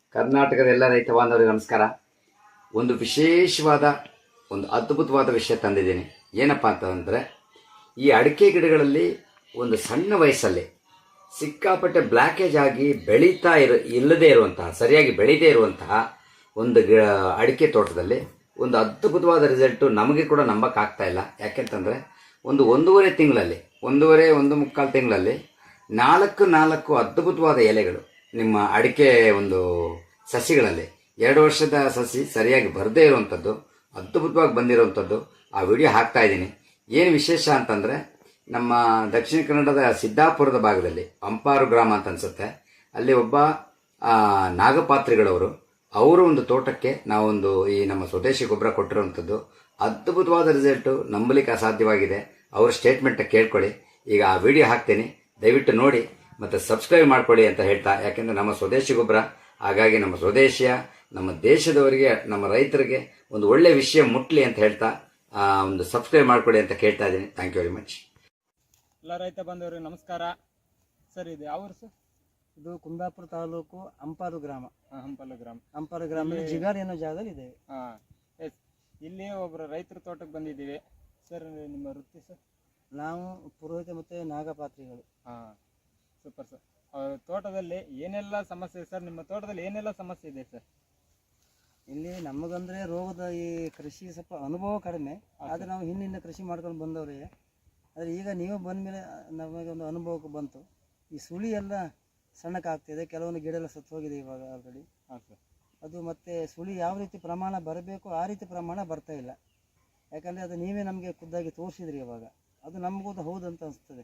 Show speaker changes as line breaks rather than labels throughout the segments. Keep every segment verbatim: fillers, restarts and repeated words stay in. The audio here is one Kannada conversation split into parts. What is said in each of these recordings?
ಕರ್ನಾಟಕದ ಎಲ್ಲ ರೈತ ಬಾಂಧವರಿಗೆ ನಮಸ್ಕಾರ. ಒಂದು ವಿಶೇಷವಾದ ಒಂದು ಅದ್ಭುತವಾದ ವಿಷಯ ತಂದಿದ್ದೀನಿ. ಏನಪ್ಪ ಅಂತಂದರೆ, ಈ ಅಡಿಕೆ ಗಿಡಗಳಲ್ಲಿ ಒಂದು ಸಣ್ಣ ವಯಸ್ಸಲ್ಲಿ ಸಿಕ್ಕಾಪಟ್ಟೆ ಬ್ಲ್ಯಾಕೇಜ್ ಆಗಿ ಬೆಳೀತಾ ಇರೋ ಇಲ್ಲದೇ ಇರುವಂತಹ ಸರಿಯಾಗಿ ಬೆಳೀದೇ ಇರುವಂತಹ ಒಂದು ಗಿ ಅಡಿಕೆ ತೋಟದಲ್ಲಿ ಒಂದು ಅದ್ಭುತವಾದ ರಿಸಲ್ಟು ನಮಗೆ ಕೂಡ ನಂಬಕ್ಕಾಗ್ತಾ ಇಲ್ಲ. ಯಾಕೆಂತಂದರೆ ಒಂದು ಒಂದೂವರೆ ತಿಂಗಳಲ್ಲಿ ಒಂದೂವರೆ ಒಂದು ಮುಕ್ಕಾಲು ತಿಂಗಳಲ್ಲಿ ನಾಲ್ಕು ನಾಲ್ಕು ಅದ್ಭುತವಾದ ಎಲೆಗಳು ನಿಮ್ಮ ಅಡಿಕೆ ಒಂದು ಸಸಿಗಳಲ್ಲಿ ಎರಡು ವರ್ಷದ ಸಸಿ ಸರಿಯಾಗಿ ಬರದೇ ಇರುವಂಥದ್ದು ಅದ್ಭುತವಾಗಿ ಬಂದಿರುವಂಥದ್ದು ಆ ವಿಡಿಯೋ ಹಾಕ್ತಾ ಇದ್ದೀನಿ. ಏನು ವಿಶೇಷ ಅಂತಂದರೆ, ನಮ್ಮ ದಕ್ಷಿಣ ಕನ್ನಡದ ಸಿದ್ದಾಪುರದ ಭಾಗದಲ್ಲಿ ಅಂಪಾರು ಗ್ರಾಮ ಅಂತ ಅನಿಸುತ್ತೆ, ಅಲ್ಲಿ ಒಬ್ಬ ನಾಗಪಾತ್ರಿಗಳವರು ಅವರ ಒಂದು ತೋಟಕ್ಕೆ ನಾವೊಂದು ಈ ನಮ್ಮ ಸ್ವದೇಶಿ ಗೊಬ್ಬರ ಕೊಟ್ಟಿರುವಂಥದ್ದು ಅದ್ಭುತವಾದ ರಿಸಲ್ಟು ನಂಬಲಿಕ್ಕೆ ಅಸಾಧ್ಯವಾಗಿದೆ. ಅವ್ರ ಸ್ಟೇಟ್ಮೆಂಟ್ ಕೇಳ್ಕೊಳ್ಳಿ. ಈಗ ಆ ವಿಡಿಯೋ ಹಾಕ್ತೀನಿ, ದಯವಿಟ್ಟು ನೋಡಿ ಮತ್ತು ಸಬ್ಸ್ಕ್ರೈಬ್ ಮಾಡ್ಕೊಳ್ಳಿ ಅಂತ ಹೇಳ್ತಾ, ಯಾಕೆಂದರೆ ನಮ್ಮ ಸ್ವದೇಶಿ ಗೊಬ್ಬರ, ಹಾಗಾಗಿ ನಮ್ಮ ಸ್ವದೇಶಿಯ ನಮ್ಮ ದೇಶದವರಿಗೆ ನಮ್ಮ ರೈತರಿಗೆ ಒಂದು ಒಳ್ಳೆಯ ವಿಷಯ ಮುಟ್ಲಿ ಅಂತ ಹೇಳ್ತಾ ಒಂದು ಸಬ್ಸ್ಕ್ರೈಬ್ ಮಾಡ್ಕೊಳ್ಳಿ ಅಂತ ಕೇಳ್ತಾ ಇದ್ದೀನಿ. Thank you very much.
ಎಲ್ಲ ರೈತ ಬಂದವರಿಗೆ ನಮಸ್ಕಾರ. ಸರ್, ಇದು ಯಾವ ಸರ್?
ಇದು ಕುಂದಾಪುರ ತಾಲೂಕು ಅಂಪಾರು ಗ್ರಾಮ.
ಹಂಪಲು ಗ್ರಾಮ.
ಅಂಪಾರು ಗ್ರಾಮದಲ್ಲಿ ಜಿಗಾರ್ ಅನ್ನೋ ಜಾಗದಲ್ಲಿ ಇದೆ.
ಹಾಂ, ಎಸ್. ಇಲ್ಲಿ ಒಬ್ಬರು ರೈತರ ತೋಟಕ್ಕೆ ಬಂದಿದ್ದೀವಿ. ಸರ್, ನಿಮ್ಮ ವೃತ್ತಿ ಸರ್?
ನಾವು ಪುರೋಹಿತ ಮತ್ತು ನಾಗಪಾತ್ರಿಗಳು.
ಹಾಂ, ಸೂಪರ್ ಸರ್. ತೋಟದಲ್ಲಿ ಏನೆಲ್ಲ ಸಮಸ್ಯೆ ಸರ್? ನಿಮ್ಮ ತೋಟದಲ್ಲಿ ಏನೆಲ್ಲ ಸಮಸ್ಯೆ ಇದೆ ಸರ್?
ಇಲ್ಲಿ ನಮಗಂದ್ರೆ ರೋಗದ ಈ ಕೃಷಿ ಸ್ವಲ್ಪ ಅನುಭವ ಕಡಿಮೆ, ಆದರೆ ನಾವು ಹಿಂದಿಂದ ಕೃಷಿ ಮಾಡ್ಕೊಂಡು ಬಂದವ್ರಿಗೆ. ಆದರೆ ಈಗ ನೀವು ಬಂದ ಮೇಲೆ ನಮಗೆ ಒಂದು ಅನುಭವಕ್ಕೆ ಬಂತು. ಈ ಸುಳಿ ಎಲ್ಲ ಸಣ್ಣಕ್ಕಾಗ್ತಿದೆ, ಕೆಲವೊಂದು ಗಿಡ ಎಲ್ಲ ಸತ್ತು ಹೋಗಿದೆ ಇವಾಗ ಆಲ್ರೆಡಿ.
ಹಾಂ ಸರ್.
ಅದು ಮತ್ತು ಸುಳಿ ಯಾವ ರೀತಿ ಪ್ರಮಾಣ ಬರಬೇಕು ಆ ರೀತಿ ಪ್ರಮಾಣ ಬರ್ತಾ ಇಲ್ಲ. ಯಾಕಂದರೆ ಅದು ನೀವೇ ನಮಗೆ ಖುದ್ದಾಗಿ ತೋರಿಸಿದ್ರಿ ಇವಾಗ, ಅದು ನಮಗೂ ಹೌದಂತ ಅನಿಸ್ತದೆ.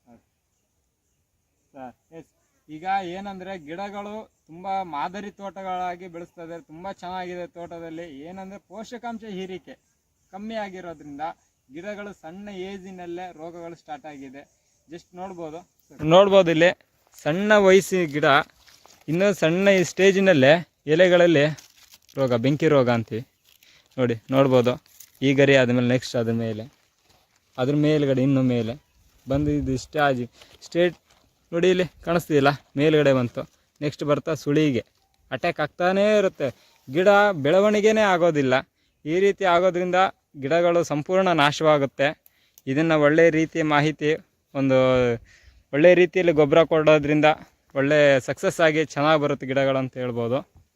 Sir, yes. ಈಗ ಏನಂದರೆ ಗಿಡಗಳು ತುಂಬ ಮಾದರಿ ತೋಟಗಳಾಗಿ ಬೆಳೆಸ್ತಾ ಇದ್ದಾರೆ. ತುಂಬ ಚೆನ್ನಾಗಿದೆ ತೋಟದಲ್ಲಿ. ಏನಂದರೆ ಪೋಷಕಾಂಶ ಹೀರಿಕೆ ಕಮ್ಮಿ ಆಗಿರೋದ್ರಿಂದ ಗಿಡಗಳು ಸಣ್ಣ ಏಜಿನಲ್ಲೇ ರೋಗಗಳು ಸ್ಟಾರ್ಟ್ ಆಗಿದೆ. ಜಸ್ಟ್ ನೋಡ್ಬೋದು ನೋಡ್ಬೋದು ಇಲ್ಲಿ ಸಣ್ಣ ವಯಸ್ಸಿನ ಗಿಡ ಇನ್ನೂ ಸಣ್ಣ ಈ ಸ್ಟೇಜಿನಲ್ಲೇ ಎಲೆಗಳಲ್ಲಿ ರೋಗ, ಬೆಂಕಿ ರೋಗ ಅಂತೀವಿ ನೋಡಿ. ನೋಡ್ಬೋದು ಈ ಗರಿ ಆದಮೇಲೆ ನೆಕ್ಸ್ಟ್ ಅದ್ರ ಮೇಲೆ ಅದ್ರ ಮೇಲ್ಗಡೆ ಇನ್ನೂ ಮೇಲೆ ಬಂದು ಇದು ಸ್ಟಾಜ್ ಸ್ಟೇಟ್ ನೋಡಿ, ಇಲ್ಲಿ ಕಾಣಿಸ್ತಿಲ್ಲ, ಮೇಲ್ಗಡೆ ಬಂತು. ನೆಕ್ಸ್ಟ್ ಬರ್ತಾ ಸುಳಿಗೆ ಅಟ್ಯಾಕ್ ಆಗ್ತಾನೇ ಇರುತ್ತೆ. ಗಿಡ ಬೆಳವಣಿಗೆನೇ ಆಗೋದಿಲ್ಲ. ಈ ರೀತಿ ಆಗೋದ್ರಿಂದ ಗಿಡಗಳು ಸಂಪೂರ್ಣ ನಾಶವಾಗುತ್ತೆ. ಇದನ್ನು ಒಳ್ಳೆಯ ರೀತಿಯ ಮಾಹಿತಿ, ಒಂದು ಒಳ್ಳೆಯ ರೀತಿಯಲ್ಲಿ ಗೊಬ್ಬರ ಕೊಡೋದ್ರಿಂದ ಒಳ್ಳೆ ಸಕ್ಸಸ್ ಆಗಿ ಚೆನ್ನಾಗಿ ಬರುತ್ತೆ ಗಿಡಗಳು ಅಂತ ಹೇಳ್ಬೋದು.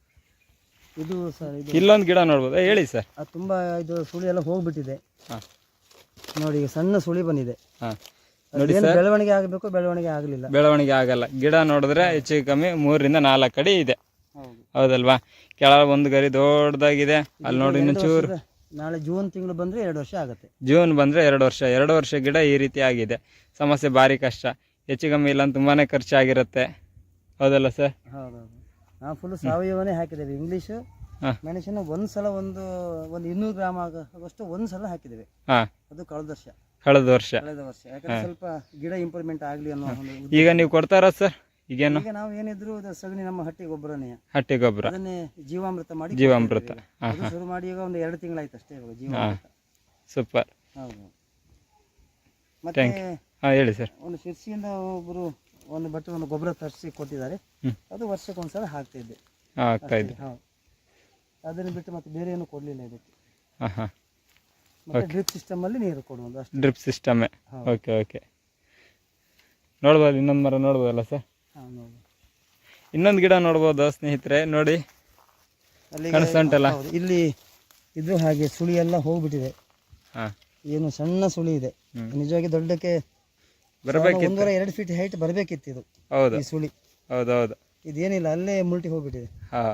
ಇದು ಸರ್, ಇದು
ಇಲ್ಲೊಂದು ಗಿಡ ನೋಡ್ಬೋದು. ಹೇಳಿ ಸರ್.
ಅದು ತುಂಬ ಇದು ಸುಳಿ ಎಲ್ಲ ಹೋಗ್ಬಿಟ್ಟಿದೆ.
ಹಾಂ,
ನೋಡಿ, ಈಗ ಸಣ್ಣ ಸುಳಿ ಬಂದಿದೆ.
ಹಾಂ ನೋಡಿ ಸರ್,
ಬೆಳವಣಿಗೆ ಆಗಬೇಕು, ಬೆಳವಣಿಗೆ ಆಗಲಿಲ್ಲ.
ಬೆಳವಣಿಗೆ ಆಗಲ್ಲ. ಗಿಡ ನೋಡಿದ್ರೆ ಹೆಚ್ಚು ಕಮ್ಮಿ ಮೂರರಿಂದ ನಾಲ್ಕು ಅಡಿ ಇದೆ, ಹೌದಲ್ವಾ? ಕೆಳಗೆ ಒಂದು ಗರಿ ದೊಡ್ಡದಾಗಿದೆ. ಅಲ್ಲಿ ನೋಡಿ ಇನ್ನು ಚೂರು.
ನಾಳೆ ಜೂನ್ ತಿಂಗಳು ಬಂದರೆ ಎರಡು ವರ್ಷ ಆಗುತ್ತೆ.
ಜೂನ್ ಬಂದರೆ ಎರಡು ವರ್ಷ ಎರಡು ವರ್ಷ ಗಿಡ ಈ ರೀತಿ ಆಗಿದೆ. ಸಮಸ್ಯೆ ಭಾರಿ ಕಷ್ಟ. ಹೆಚ್ಚು ಕಮ್ಮಿ ಇಲ್ಲ ತುಂಬಾ ಖರ್ಚಾಗಿರುತ್ತೆ, ಹೌದಲ್ಲ ಸರ್?
ಹೌದೌದು. ನಾವು ಫುಲ್ ಸಾವಯವನೇ ಹಾಕಿದ್ದೇವೆ. ಇಂಗ್ಲೀಷು ಮೆಣಸಿನ ಒಂದು ಸಲ ಒಂದು ಒಂದು ಇನ್ನೂರು ಗ್ರಾಮ್ ಆಗೋಷ್ಟು ಒಂದು ಸಲ ಹಾಕಿದ್ದೇವೆ.
ಹಾಂ,
ಅದು ಕಳೆದ ವರ್ಷ
ಕಳೆದ ವರ್ಷ
ಕಳೆದ ವರ್ಷ ಯಾಕಂದ್ರೆ ಸ್ವಲ್ಪ ಗಿಡ ಇಂಪ್ರೂವ್ಮೆಂಟ್ ಆಗಲಿ ಅನ್ನೋ ಒಂದು.
ಈಗ ನೀವು ಕೊಡ್ತಾರಾ ಸರ್? ಈಗೇನು
ಈಗ ನಾವು ಏನಿದ್ರು ಸಗಣಿ, ನಮ್ಮ ಹಟ್ಟಿ ಗೊಬ್ಬರನೇ,
ಹಟ್ಟಿ ಗೊಬ್ಬರ,
ಅದನ್ನೇ ಜೀವಾಮೃತ ಮಾಡಿ
ಜೀವಾಮೃತ
ಶುರು ಮಾಡಿ ಈಗ ಒಂದು ಎರಡು ತಿಂಗಳಾಯ್ತು ಅಷ್ಟೇ ಇವಾಗ ಜೀವಾಮೃತ.
ಸೂಪರ್.
ಹೌದು. ಮತ್ತೆ
ಹಾಂ, ಹೇಳಿ ಸರ್.
ಒಂದು ಶಿರ್ಸಿಯಿಂದ ಒಬ್ಬರು ಒಂದು ಬಟ್ಟೆ ಒಂದು ಗೊಬ್ಬರ ತರಿಸಿ ಕೊಟ್ಟಿದ್ದಾರೆ. ಅದು ವರ್ಷಕ್ಕೆ ಒಂದ್ಸಲ ಹಾಕ್ತಾ ಇದ್ದೆ.
ಆಗ್ತಾ ಇದೆ.
ಹೌದು. ಅದನ್ನು ಬಿಟ್ಟು ಮತ್ತೆ ಬೇರೆ ಏನು ಕೊಡಲಿಲ್ಲ ಇದಕ್ಕೆ.
ಹಾಂ ಹಾಂ.
ಮತ್ತೆ ಡ್ರಿಪ್ ಸಿಸ್ಟಮ್ ಅಲ್ಲಿ ನೀರು ಕೊಡುವುದು ಅಷ್ಟೇ.
ಡ್ರಿಪ್ ಸಿಸ್ಟಮೇ. Okay okay. ನೋಡ್ಬೋದು, ಇನ್ನೊಂದು ಮರ ನೋಡ್ಬೋದಲ್ಲ ಸರ್?
ಹಾಂ, ನೋಡಿ.
ಇನ್ನೊಂದು ಗಿಡ ನೋಡ್ಬೋದು ಸ್ನೇಹಿತರೆ, ನೋಡಿ ಕಾಣಿಸ್ತಾ ಉಂಟಲ್ಲ
ಇಲ್ಲಿ. ಇದು ಹಾಗೆ ಸುಳಿ ಎಲ್ಲ ಹೋಗ್ಬಿಟ್ಟಿದೆ.
ಹಾಂ,
ಏನು ಸಣ್ಣ ಸುಳಿ ಇದೆ. ನಿಜವಾಗಿ ದೊಡ್ಡಕ್ಕೆ
ಬರಬೇಕಿತ್ತು,
ಒಂದೂವರೆ ಎರಡು ಫೀಟ್ ಹೈಟ್ ಬರಬೇಕಿತ್ತು ಇದು.
ಹೌದು,
ಈ ಸುಳಿ.
ಹೌದೌದು.
ಇದೇನಿಲ್ಲ, ಅಲ್ಲೇ ಮುಲ್ಟಿ ಹೋಗ್ಬಿಟ್ಟಿದೆ.
ಹಾಂ,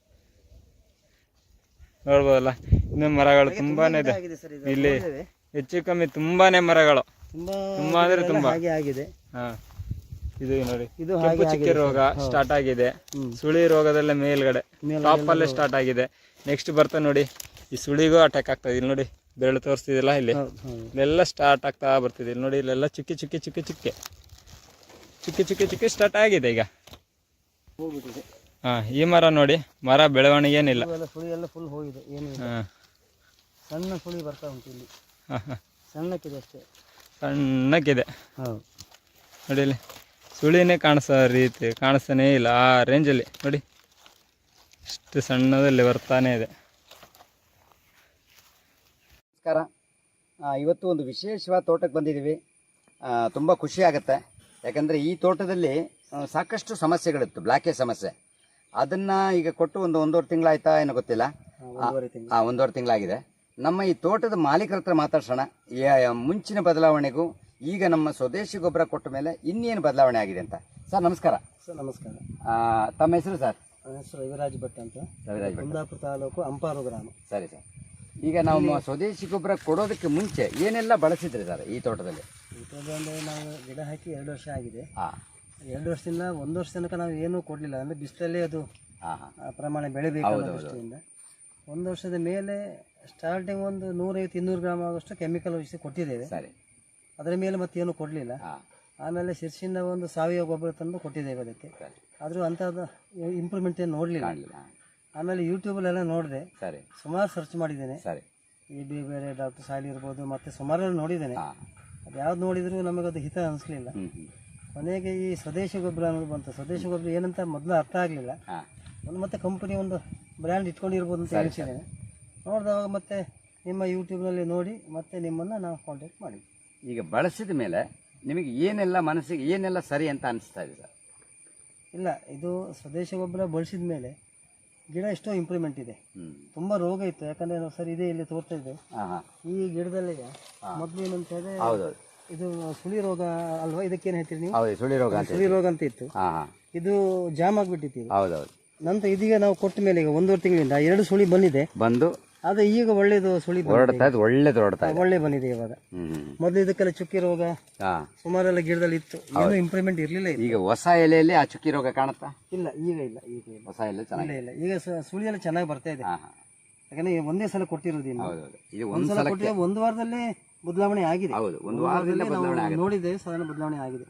ನೋಡ್ಬೋದಲ್ಲ. ಇನ್ನು ಮರಗಳು ತುಂಬಾನೇ ಇದೆ ಇಲ್ಲಿ. ಹೆಚ್ಚು ಕಮ್ಮಿ ತುಂಬಾನೇ ಮರಗಳು,
ತುಂಬಾ
ತುಂಬಾ ಅಂದ್ರೆ ತುಂಬಾ
ಹಾಗೆ ಆಗಿದೆ.
ಹಾಂ, ಇದು ನೋಡಿ,
ಇದು
ಕೆಂಪು ಚುಕ್ಕೆ ರೋಗ ಸ್ಟಾರ್ಟ್ ಆಗಿದೆ. ಸುಳಿ ರೋಗದಲ್ಲೇ ಮೇಲ್ಗಡೆ ಟಾಪ್ ಅಲ್ಲೇ ಸ್ಟಾರ್ಟ್ ಆಗಿದೆ. ನೆಕ್ಸ್ಟ್ ಬರ್ತಾ ನೋಡಿ, ಈ ಸುಳಿಗೂ ಅಟ್ಯಾಕ್ ಆಗ್ತದೆ. ಇಲ್ಲಿ ನೋಡಿ, ಬೆರಳು ತೋರಿಸ್ತಿದಿಲ್ಲ, ಇಲ್ಲಿ ಇಲ್ಲೆಲ್ಲ ಸ್ಟಾರ್ಟ್ ಆಗ್ತಾ ಬರ್ತಿದೆ. ಇಲ್ಲಿ ನೋಡಿ, ಇಲ್ಲೆಲ್ಲ ಚುಕ್ಕಿ ಚುಕ್ಕಿ ಚುಕ್ಕಿ ಚುಕ್ಕೆ ಚುಕ್ಕಿ ಚುಕ್ಕಿ ಚುಕ್ಕಿ ಸ್ಟಾರ್ಟ್ ಆಗಿದೆ ಈಗ.
ಹೋಗ್ಬಿಟ್ಟಿದೆ.
ಹಾಂ, ಈ ಮರ ನೋಡಿ, ಮರ ಬೆಳವಣಿಗೆ ಏನಿಲ್ಲ.
ಸುಳಿ ಎಲ್ಲ ಫುಲ್ ಹೋಗಿದೆ, ಏನಿಲ್ಲ.
ಹಾಂ,
ಸಣ್ಣ ಸುಳಿ ಬರ್ತಾ ಉಂಟು ಇಲ್ಲಿ.
ಹಾಂ ಹಾಂ,
ಸಣ್ಣಕ್ಕಿದೆ ಅಷ್ಟೇ,
ಸಣ್ಣಕ್ಕಿದೆ.
ಹೌದು.
ನೋಡಿ, ಇಲ್ಲಿ ಸುಳಿನೇ ಕಾಣಿಸೋ ರೀತಿ ಕಾಣಿಸ್ತಾನೇ ಇಲ್ಲ ಆ ರೇಂಜಲ್ಲಿ ನೋಡಿ. ಇಷ್ಟು ಸಣ್ಣದಲ್ಲಿ ಬರ್ತಾನೆ ಇದೆ.
ನಮಸ್ಕಾರ. ಆ, ಇವತ್ತು ಒಂದು ವಿಶೇಷವಾದ ತೋಟಕ್ಕೆ ಬಂದಿದ್ದೀವಿ. ತುಂಬ ಖುಷಿ ಆಗುತ್ತೆ. ಯಾಕಂದರೆ ಈ ತೋಟದಲ್ಲಿ ಆ, ಸಾಕಷ್ಟು ಸಮಸ್ಯೆಗಳಿತ್ತು, ಬ್ಲ್ಯಾಕೇಜ್ ಸಮಸ್ಯೆ. ಅದನ್ನು ಈಗ ಕೊಟ್ಟು ಒಂದು ಒಂದೂವರೆ ತಿಂಗಳಾಯ್ತಾ ಏನೋ ಗೊತ್ತಿಲ್ಲ.
ಒಂದೂವರೆ ತಿಂಗಳು
ಹಾಂ, ಒಂದೂವರೆ ತಿಂಗಳಾಗಿದೆ. ನಮ್ಮ ಈ ತೋಟದ ಮಾಲೀಕರ ಹತ್ರ ಮಾತಾಡ್ಸೋಣ. ಯಾ- ಮುಂಚಿನ ಬದಲಾವಣೆಗೂ ಈಗ ನಮ್ಮ ಸ್ವದೇಶಿ ಗೊಬ್ಬರ ಕೊಟ್ಟ ಮೇಲೆ ಇನ್ನೇನು ಬದಲಾವಣೆ ಆಗಿದೆ ಅಂತ. ಸರ್ ನಮಸ್ಕಾರ.
ಸರ್ ನಮಸ್ಕಾರ.
ಆ, ತಮ್ಮ ಹೆಸರು ಸರ್?
ನನ್ನ ಹೆಸರು ರವಿರಾಜ್ ಭಟ್ ಅಂತ,
ರವಿರಾಜ್ ಭಟ್.
ಕುಂದಾಪುರ ತಾಲೂಕು ಅಂಪಾರು ಗ್ರಾಮ.
ಸರಿ ಸರ್. ಈಗ ನಾವು ಸ್ವದೇಶಿ ಗೊಬ್ಬರ ಕೊಡೋದಕ್ಕೆ ಮುಂಚೆ ಏನೆಲ್ಲ ಬಳಸಿದ್ರಿ ಸರ್ ಈ ತೋಟದಲ್ಲಿ?
ಇದೊಂದು ನಾವು ಗಿಡ ಹಾಕಿ ಎರಡು ವರ್ಷ ಆಗಿದೆ.
ಹಾಂ
ಎರಡು ವರ್ಷದಿಂದ ಒಂದು ವರ್ಷ ತನಕ ನಾವು ಏನೂ ಕೊಡಲಿಲ್ಲ, ಅಂದರೆ ಬಿಸಿಲಲ್ಲೇ ಅದು
ಹಾಂ ಹಾಂ
ಆ ಪ್ರಮಾಣ ಬೆಳಿಬೇಕು ಅನ್ನೋ ದೃಷ್ಟಿಯಿಂದ. ಒಂದು ವರ್ಷದ ಮೇಲೆ ಸ್ಟಾರ್ಟಿಂಗ್ ಒಂದು ನೂರೈವತ್ತು ಇನ್ನೂರು ಗ್ರಾಮ್ ಆಗೋಷ್ಟು ಕೆಮಿಕಲ್ ಔಷಧಿ ಕೊಟ್ಟಿದ್ದೇವೆ.
ಸರಿ.
ಅದರ ಮೇಲೆ ಮತ್ತೇನು ಕೊಡಲಿಲ್ಲ.
ಹಾಂ
ಆಮೇಲೆ ಶಿರ್ಸಿಂದ ಒಂದು ಸಾವಯವ ಗೊಬ್ಬರ ತಂದು ಕೊಟ್ಟಿದ್ದೇವೆ ಅದಕ್ಕೆ.
ಸರಿ.
ಆದರೂ ಅಂಥದ್ದು ಇಂಪ್ರೂವ್ಮೆಂಟ್ ಏನು ನೋಡಲಿಲ್ಲ.
ಕಾಣಲಿಲ್ಲ.
ಆಮೇಲೆ ಯೂಟ್ಯೂಬಲ್ಲೆಲ್ಲ ನೋಡಿದೆ,
ಸರಿ
ಸುಮಾರು ಸರ್ಚ್ ಮಾಡಿದ್ದೇನೆ.
ಸರಿ.
ಈ ಬಿ ಬೇರೆ ಡಾಕ್ಟರ್ ಸಾಲಿ ಇರ್ಬೋದು, ಮತ್ತು ಸುಮಾರು ನೋಡಿದ್ದೇನೆ.
ಹಾಂ
ಅದು ಯಾವ್ದು ನೋಡಿದರೂ ನಮಗದು ಹಿತ ಅನಿಸ್ಲಿಲ್ಲ.
ಹ್ಞೂ ಹ್ಞೂ
ಕೊನೆಗೆ ಈ ಸ್ವದೇಶಿ ಗೊಬ್ಬರ ಅನ್ನೋದು ಬಂತು. ಸ್ವದೇಶಿ ಗೊಬ್ಬರ ಏನಂತ ಮೊದಲು ಅರ್ಥ ಆಗಲಿಲ್ಲ.
ಹಾಂ
ಒಂದು ಮತ್ತೆ ಕಂಪನಿ ಒಂದು ಬ್ರ್ಯಾಂಡ್ ಇಟ್ಕೊಂಡಿರ್ಬೋದು ಅಂತ ಎಣಿಸಿದ್ದೇನೆ. ನೋಡಿದವಾಗ ಮತ್ತೆ ನಿಮ್ಮ ಯೂಟ್ಯೂಬ್ನಲ್ಲಿ ನೋಡಿ ಮತ್ತೆ ನಿಮ್ಮನ್ನು ನಾವು ಕಾಂಟ್ಯಾಕ್ಟ್ ಮಾಡಿ.
ಈಗ ಬಳಸಿದ ಮೇಲೆ ನಿಮಗೆ ಏನೆಲ್ಲ ಮನಸ್ಸಿಗೆ ಏನೆಲ್ಲ ಸರಿ ಅಂತ ಅನಿಸ್ತಾ ಇದೆ ಸರ್?
ಇಲ್ಲ, ಇದು ಸ್ವದೇಶಿ ಗೊಬ್ಬರ ಬಳಸಿದ ಮೇಲೆ ಗಿಡ ಎಷ್ಟೋ ಇಂಪ್ರೂವ್ಮೆಂಟ್ ಇದೆ.
ಹ್ಞೂ
ತುಂಬ ರೋಗ ಇತ್ತು, ಯಾಕಂದರೆ ನಾವು ಸರಿ ಇದೆ ಇಲ್ಲಿ ತೋರ್ತಾ ಇದ್ದೆ.
ಹಾಂ ಹಾಂ
ಈ ಗಿಡದಲ್ಲಿ ಮೊದಲು ಏನಂತ ಹೇಳಿದ್ರೆ
ಹೌದೌದು.
ಇದು ಸುಳಿ ರೋಗ ಅಲ್ವಾ, ಇದಕ್ಕೇನು ಹೇಳ್ತೀರಿ ನೀವು?
ಹೌದು, ಸುಳಿ ರೋಗ ಅಂತ.
ಸುಳಿ ರೋಗ ಅಂತ ಇತ್ತು.
ಹಾಂ ಹಾಂ
ಇದು ಜಾಮ್ ಆಗಿಬಿಟ್ಟಿತ್ತು.
ಹೌದೌದು.
ನಂತರ ಇದೀಗ ನಾವು ಕೊಟ್ಟ ಮೇಲೆ ಈಗ ಒಂದೂವರೆ ತಿಂಗಳಿಂದ ಎರಡು ಸುಳಿ ಬಂದಿದೆ.
ಬಂದು
ಆದರೆ ಈಗ ಒಳ್ಳೇದು ಸುಳಿ ಬಂದಿದೆ.
ಹೊರಡ್ತಾ ಇದ್ದು ಒಳ್ಳೇದು ಹೊರಡ್ತಾ ಇದೆ.
ಒಳ್ಳೆ ಬಂದಿದೆ ಇವಾಗ.
ಹ್ಞೂ ಹ್ಞೂ
ಮೊದಲು ಇದಕ್ಕೆಲ್ಲ ಚುಕ್ಕಿ ರೋಗ
ಹಾಂ
ಸುಮಾರೆಲ್ಲ ಗಿಡದಲ್ಲಿ ಇತ್ತು, ಏನೂ ಇಂಪ್ರೂವ್ಮೆಂಟ್ ಇರಲಿಲ್ಲ.
ಈಗ ಹೊಸ ಎಲೆಯಲ್ಲಿ ಆ ಚುಕ್ಕಿ ರೋಗ ಕಾಣುತ್ತಾ?
ಇಲ್ಲ, ಈಗ ಇಲ್ಲ, ಈಗ ಇಲ್ಲ,
ಹೊಸ ಎಲೆ ಚೆನ್ನಾಗಿ.
ಇಲ್ಲ ಇಲ್ಲ ಈಗ ಸ- ಸುಳಿ ಎಲ್ಲ ಚೆನ್ನಾಗಿ ಬರ್ತಾ ಇದೆ.
ಹಾಂ ಹಾಂ
ಯಾಕಂದ್ರೆ ಈಗ ಒಂದೇ ಸಲ ಕೊಟ್ಟಿರೋದಿಲ್ಲ.
ಹೌದೌದು. ಇದು ಒಂದು
ಒಂದ್ಸಲ ಕೊಟ್ಟಿದ್ರೆ ಒಂದು ವಾರದಲ್ಲೇ ಬದಲಾವಣೆ ಆಗಿದೆ.
ಹೌದು, ಒಂದು ವಾರದಲ್ಲೇ
ನಾವು
ಬದಲಾವಣೆ ಆಗುತ್ತೆ.
ನೋಡಿದ್ದೇವೆ, ಸಾಧಾರಣ ಬದಲಾವಣೆ ಆಗಿದೆ.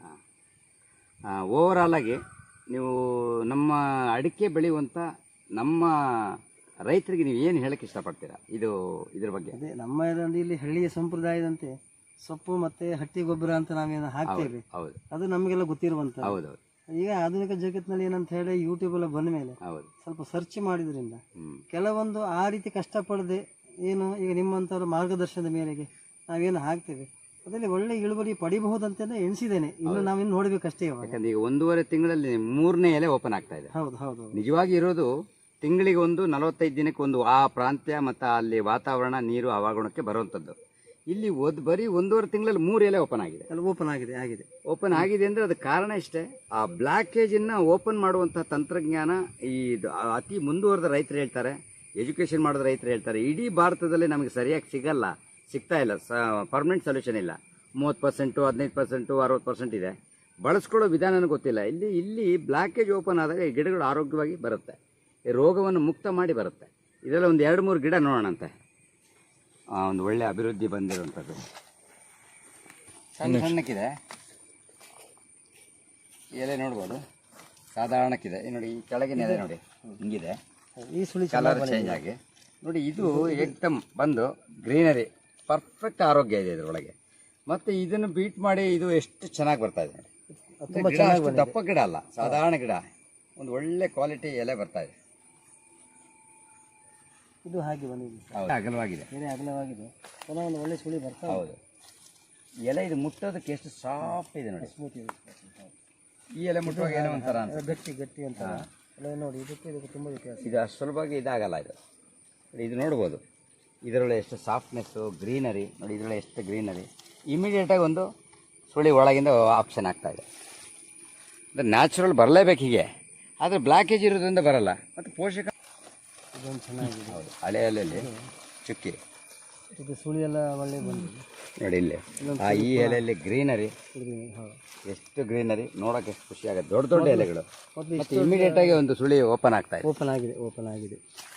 ಓವರಾಲ್ ಆಗಿ ನೀವು ನಮ್ಮ ಅಡಿಕೆ ಬೆಳೆಯುವಂಥ ನಮ್ಮ ರೈತರಿಗೆ ನೀವು ಏನು ಹೇಳಕ್ಕೆ ಇಷ್ಟಪಡ್ತೀರಾ ಇದು ಇದ್ರ ಬಗ್ಗೆ?
ಅದೇ ನಮ್ಮ ಇದೊಂದು ಇಲ್ಲಿ ಹಳ್ಳಿಯ ಸಂಪ್ರದಾಯದಂತೆ ಸೊಪ್ಪು ಮತ್ತೆ ಹಟ್ಟಿ ಗೊಬ್ಬರ ಅಂತ ನಾವೇನು ಹಾಕ್ತೇವೆ,
ಹೌದು
ಅದು ನಮಗೆಲ್ಲ ಗೊತ್ತಿರುವಂತ.
ಹೌದೌದು.
ಈಗ ಆಧುನಿಕ ಜಗತ್ತಿನಲ್ಲಿ ಏನಂತ ಹೇಳಿ ಯೂಟ್ಯೂಬ್ ಎಲ್ಲ ಬಂದ ಮೇಲೆ
ಹೌದು.
ಸ್ವಲ್ಪ ಸರ್ಚ್ ಮಾಡಿದ್ರಿಂದ
ಹ್ಮ್
ಕೆಲವೊಂದು ಆ ರೀತಿ ಕಷ್ಟಪಡದೆ ಏನು ಈಗ ನಿಮ್ಮಂಥವ್ರ ಮಾರ್ಗದರ್ಶನದ ಮೇರೆಗೆ ನಾವೇನು ಹಾಕ್ತೇವೆ ಅದರಲ್ಲಿ ಒಳ್ಳೆ ಇಳುವರಿ ಪಡಿಬಹುದಂತೆಲ್ಲ ಎಣಿಸಿದ್ದೇನೆ. ಇನ್ನು ನಾವಿನ್ನು ನೋಡ್ಬೇಕಷ್ಟೇ ಇವಾಗ.
ಯಾಕಂದ್ರೆ ಈಗ ಒಂದೂವರೆ ತಿಂಗಳಲ್ಲಿ ಮೂರನೇ ಎಲೆ ಓಪನ್ ಆಗ್ತಾ ಇದೆ.
ಹೌದು ಹೌದು
ನಿಜವಾಗಿ ಇರೋದು ತಿಂಗಳಿಗೆ ಒಂದು ನಲವತ್ತೈದು ದಿನಕ್ಕೆ ಒಂದು ಆ ಪ್ರಾಂತ್ಯ ಮತ್ತು ಅಲ್ಲಿ ವಾತಾವರಣ ನೀರು ಹವಾಗುಣಕ್ಕೆ ಬರುವಂಥದ್ದು. ಇಲ್ಲಿ ಒಂದು ಬರೀ ಒಂದೂವರೆ ತಿಂಗಳಲ್ಲಿ ಮೂರು ಎಲೆ ಓಪನ್ ಆಗಿದೆ.
ಅಲ್ಲಿ ಓಪನ್ ಆಗಿದೆ ಆಗಿದೆ
ಓಪನ್ ಆಗಿದೆ ಅಂದರೆ ಅದಕ್ಕೆ ಕಾರಣ ಇಷ್ಟೇ, ಆ ಬ್ಲ್ಯಾಕೇಜನ್ನು ಓಪನ್ ಮಾಡುವಂಥ ತಂತ್ರಜ್ಞಾನ ಈ ಇದು ಅತಿ ಮುಂದುವರೆದ ರೈತರು ಹೇಳ್ತಾರೆ, ಎಜುಕೇಷನ್ ಮಾಡಿದ ರೈತರು ಹೇಳ್ತಾರೆ ಇಡೀ ಭಾರತದಲ್ಲಿ ನಮಗೆ ಸರಿಯಾಗಿ ಸಿಗಲ್ಲ, ಸಿಗ್ತಾ ಇಲ್ಲ, ಸ ಪರ್ಮನೆಂಟ್ ಸೊಲ್ಯೂಷನ್ ಇಲ್ಲ. ಮೂವತ್ತು ಪರ್ಸೆಂಟು ಹದಿನೈದು ಪರ್ಸೆಂಟು ಅರವತ್ತು ಪರ್ಸೆಂಟ್ ಇದೆ, ಬಳಸ್ಕೊಳ್ಳೋ ವಿಧಾನ ಗೊತ್ತಿಲ್ಲ. ಇಲ್ಲಿ ಇಲ್ಲಿ ಬ್ಲ್ಯಾಕೇಜ್ ಓಪನ್ ಆದಾಗ ಈ ಗಿಡಗಳು ಆರೋಗ್ಯವಾಗಿ ಬರುತ್ತೆ, ಈ ರೋಗವನ್ನು ಮುಕ್ತ ಮಾಡಿ ಬರುತ್ತೆ. ಇದೆಲ್ಲ ಒಂದು ಎರಡು ಮೂರು ಗಿಡ ನೋಡೋಣಂತೆ. ಒಂದು ಒಳ್ಳೆ ಅಭಿವೃದ್ಧಿ ಬಂದಿರುವಂಥದ್ದು ಸಣ್ಣ ಸಣ್ಣಕ್ಕಿದೆ ಎಲೆ ನೋಡ್ಬೋದು, ಸಾಧಾರಣಕ್ಕಿದೆ. ಈ ನೋಡಿ ಈ ಕೆಳಗಿನ ಎಲೆ ನೋಡಿ ಹಿಂಗಿದೆ,
ಈ ಸುಳಿ
ಕಲರ್ ಚೇಂಜ್ ಆಗಿ ನೋಡಿ. ಇದು ಏಕ್ದಮ್ ಬಂದು ಗ್ರೀನರಿ ಪರ್ಫೆಕ್ಟ್ ಆರೋಗ್ಯ ಇದೆ ಇದರೊಳಗೆ. ಮತ್ತು ಇದನ್ನು ಬೀಟ್ ಮಾಡಿ ಇದು ಎಷ್ಟು ಚೆನ್ನಾಗಿ ಬರ್ತಾ ಇದೆ ನೋಡಿ. ಗಿಡ ಅಷ್ಟು ದಪ್ಪ ಗಿಡ ಅಲ್ಲ, ಸಾಧಾರಣ ಗಿಡ, ಒಂದು ಒಳ್ಳೆ ಕ್ವಾಲಿಟಿ ಎಲೆ ಬರ್ತಾ ಇದೆ.
ಇದು ಹಾಗೆ ಬಂದಿದೆ,
ಹೌದು, ಅಗಲವಾಗಿದೆ,
ಬೇರೆ ಅಗಲವಾಗಿದೆ, ಪುನಃ ಒಂದು ಒಳ್ಳೆ ಸುಳಿ ಬರ್ತಾ ಇದೆ.
ಹೌದು. ಎಲೆ ಇದು ಮುಟ್ಟೋದಕ್ಕೆ ಎಷ್ಟು ಸಾಫ್ಟ್ ಇದೆ ನೋಡಿ.
ಸ್ಮೂತ್ ಇದೆ.
ಈ ಎಲೆ ಮುಟ್ಟುವಾಗ ಏನೋ ಒಂಥರ ಅನ್ಸುತ್ತೆ.
ಗಟ್ಟಿ ಗಟ್ಟಿ ಅಂತ ಎಲ್ಲ ನೋಡಿ, ಇದಕ್ಕೆ ಇದಕ್ಕೆ ತುಂಬ ವ್ಯತ್ಯಾಸ.
ಇದು ಅಷ್ಟು ಸುಲಭವಾಗಿ ಇದಾಗಲ್ಲ ಇದು. ಇದು ನೋಡ್ಬೋದು ಇದರೊಳಗೆ ಎಷ್ಟು ಸಾಫ್ಟ್ನೆಸ್ಸು, ಗ್ರೀನರಿ ನೋಡಿ, ಇದರೊಳಗೆ ಎಷ್ಟು ಗ್ರೀನರಿ. ಇಮಿಡಿಯೇಟಾಗಿ ಒಂದು ಸುಳಿ ಒಳಗಿಂದ ಆಪ್ಷನ್ ಆಗ್ತಾಯಿದೆ. ಅಂದರೆ ನ್ಯಾಚುರಲ್ ಬರಲೇಬೇಕು ಹೀಗೆ, ಆದರೆ ಬ್ಲ್ಯಾಕೇಜ್ ಇರೋದ್ರಿಂದ ಬರಲ್ಲ. ಮತ್ತು ಪೋಷಕ
ಇದೊಂದು ಚೆನ್ನಾಗಿದೆ.
ಹೌದು, ಹಳೆ ಎಲೆಯಲ್ಲಿ ಚುಕ್ಕಿ
ಇದು ಸುಳಿ ಎಲ್ಲ ಒಳ್ಳೆ ಬಂದಿದೆ
ನೋಡಿ. ಇಲ್ಲಿ ಆ ಈ ಎಲೆಯಲ್ಲಿ ಗ್ರೀನರಿ,
ಹೌದು,
ಎಷ್ಟು ಗ್ರೀನರಿ, ನೋಡೋಕೆ ಎಷ್ಟು ಖುಷಿ ಆಗುತ್ತೆ. ದೊಡ್ಡ ದೊಡ್ಡ ಎಲೆಗಳು, ಮತ್ತು ಇಮಿಡಿಯೇಟಾಗಿ ಒಂದು ಸುಳಿ ಓಪನ್ ಆಗ್ತಾ ಇದೆ.
ಓಪನ್ ಆಗಿದೆ ಓಪನ್ ಆಗಿದೆ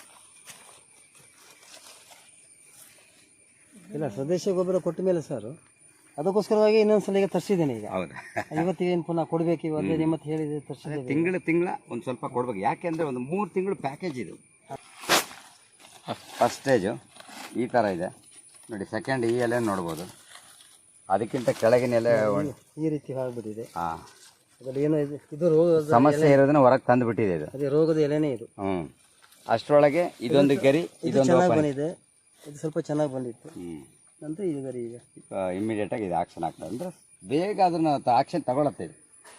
ಇಲ್ಲ, ಸ್ವದೇಶಿ ಗೊಬ್ಬರ ಕೊಟ್ಟ ಮೇಲೆ ಸರ್ ಅದಕ್ಕೋಸ್ಕರವಾಗಿ ಇನ್ನೊಂದ್ಸಲ ಈಗ ತರಿಸಿದ್ದೇನೆ. ಈಗ
ಹೌದಾ?
ಇವತ್ತಿಗೆ ಏನು ಪುನಃ ಕೊಡಬೇಕು, ಇವತ್ತೇ ನಿಮ್ಮತ್ತು ಹೇಳಿದೆ ತರಿಸಿದ್ದೇನೆ.
ತಿಂಗಳು ತಿಂಗಳ ಒಂದು ಸ್ವಲ್ಪ ಕೊಡ್ಬೇಕು, ಯಾಕೆಂದರೆ ಒಂದು ಮೂರು ತಿಂಗಳು ಪ್ಯಾಕೇಜ್ ಇದು. ಫಸ್ಟ್ ಸ್ಟೇಜು ಈ ಥರ ಇದೆ ನೋಡಿ. ಸೆಕೆಂಡ್ ಈ ಎಲೆ ನೋಡ್ಬೋದು, ಅದಕ್ಕಿಂತ ಕೆಳಗಿನ ಎಲೆ
ಈ ರೀತಿ ಆಗ್ಬಿಟ್ಟಿದೆ.
ಹಾಂ,
ಅದರಲ್ಲಿ ಏನೋ ಇದು ಇದು ರೋಗದ
ಸಮಸ್ಯೆ ಇರೋದನ್ನ ಹೊರಗೆ ತಂದು ಬಿಟ್ಟಿದೆ ಇದು.
ಅದೇ ರೋಗದ ಎಲೆನೇ ಇದು.
ಹ್ಞೂ ಅಷ್ಟರೊಳಗೆ ಇದೊಂದು ಗರಿ
ಇದು
ಇದೊಂದು
ಚೆನ್ನಾಗಿ
open.
ಬಂದಿದೆ, ಇದು ಸ್ವಲ್ಪ ಚೆನ್ನಾಗಿ ಬಂದಿತ್ತು.
ಹ್ಮ್
ನಂತರ ಇದು ಗರಿ ಈಗ
ಇಮಿಡಿಯೇಟ್ ಆಗಿ ಇದು ಆಕ್ಷನ್ ಆಗ್ತದೆ ಅಂದ್ರೆ ಬೇಗ ಅದನ್ನ ಆಕ್ಷನ್ ತಗೊಳತ್ತೆ ಇದು.